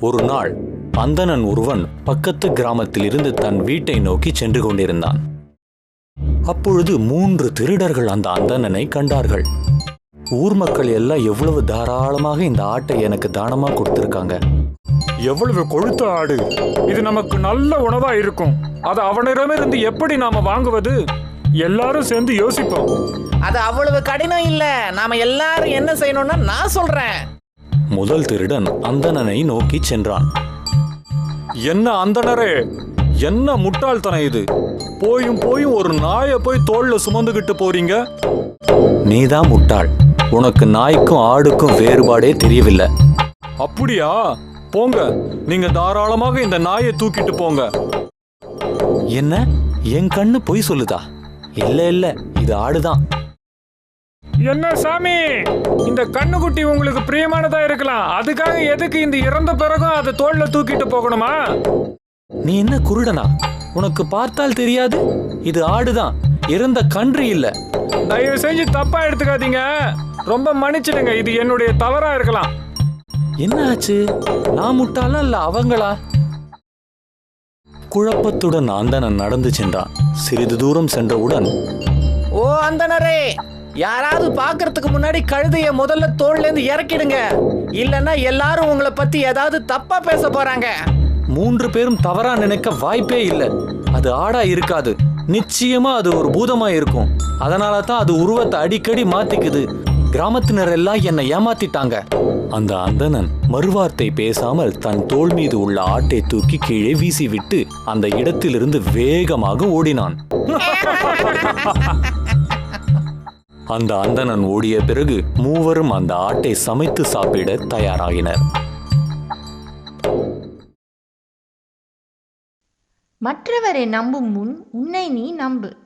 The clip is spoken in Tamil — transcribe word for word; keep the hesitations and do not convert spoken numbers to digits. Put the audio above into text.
ஒரு நாள் அந்தணன் ஒருவன் பக்கத்து கிராமத்தில் இருந்து தன் வீட்டை நோக்கி சென்று கொண்டிருந்தான். அப்பொழுது மூன்று திருடர்கள் அந்த அந்தணனை கண்டார்கள். ஊர் மக்கள் எல்லாம் எவ்வளவு தாராளமாக இந்த ஆட்டை எனக்கு தானமா கொடுத்திருக்காங்க. எவ்வளவு கொழுத்த ஆடு, இது நமக்கு நல்ல உணவா இருக்கும். அது அவனிடமிருந்து எப்படி நாம வாங்குவது? எல்லாரும் சேர்ந்து யோசிப்போம். அது அவ்வளவு கடினம் இல்ல. நாம எல்லாரும் என்ன செய்யணும்னா நான் சொல்றேன். முதல் திருடன் அந்தணனை நோக்கி சென்றான். என்ன அந்தணரே, என்ன முட்டாள்தனம் இது? போயும் போயும் ஒரு நாயை போய் தோல்ல சுமந்துகிட்டு போறீங்க. நீதான் முட்டாள். உனக்கு நாய்க்கும் ஆடுக்கும் வேறுபாடே தெரியவில்லை. அப்படியா? போங்க, நீங்க தாராளமாக இந்த நாயை தூக்கிட்டு போங்க. என்ன, என் கண்ணு பொய் சொல்லுதா? இல்ல இல்ல, இது ஆடுதான். என்ன சாமி, இந்த கண்ணுக்குட்டி உங்களுக்கு பிரியமானதா இருக்கலாம். அதுக்காக எதுக்கு இந்த இறந்த பிறகும் அதை தோல்ல தூக்கிட்டு போகணுமா? நீ என்ன குருடனா? உனக்கு பார்த்தால் தெரியாது? இது ஆடுதான், இறந்த கன்று இல்ல. தயவு செஞ்சு தப்பா எடுத்துக்காதீங்க. ரொம்ப மன்னிச்சிடுங்க, இது என்னுடைய தவறா இருக்கலாம். என்ன ஆச்சு? நான் முட்டாளா இல்ல அவங்களா? குழப்பத்துடன் அந்தணன் நடந்து சென்றான். சிறிது தூரம் சென்றவுடன், ஓ அந்தணரே, யாராவது பாக்குறதுக்கு முன்னாடி கழுதைய முதல்ல தோல்ல இருந்து இறக்கிடுங்க. இல்லன்னா எல்லாரும் உங்களை பத்தி ஏதாவது தப்பா பேச போறாங்க. மூன்று பேரும் தவறா நினைக்க வாய்ப்பே இல்லை. அது ஆடா இருக்காது. நிச்சயமா அது ஒரு பூதமா இருக்கும். அதனால தான் அது உருவத்தை அடிக்கடி மாத்திக்குது. கிராமத்தினர் எல்லாம் என்னை ஏமாத்திட்டாங்க. அந்த அந்தணன் மறுவார்த்தை பேசாமல் தன் தோள் மீது உள்ள ஆட்டை தூக்கி கீழே வீசிவிட்டு அந்த இடத்திலிருந்து வேகமாக ஓடினான். அந்த அந்தணன் ஓடிய பிறகு மூவரும் அந்த ஆட்டை சமைத்து சாப்பிட தயாராகினர். மற்றவரை நம்பும் முன் உன்னை நீ நம்பு.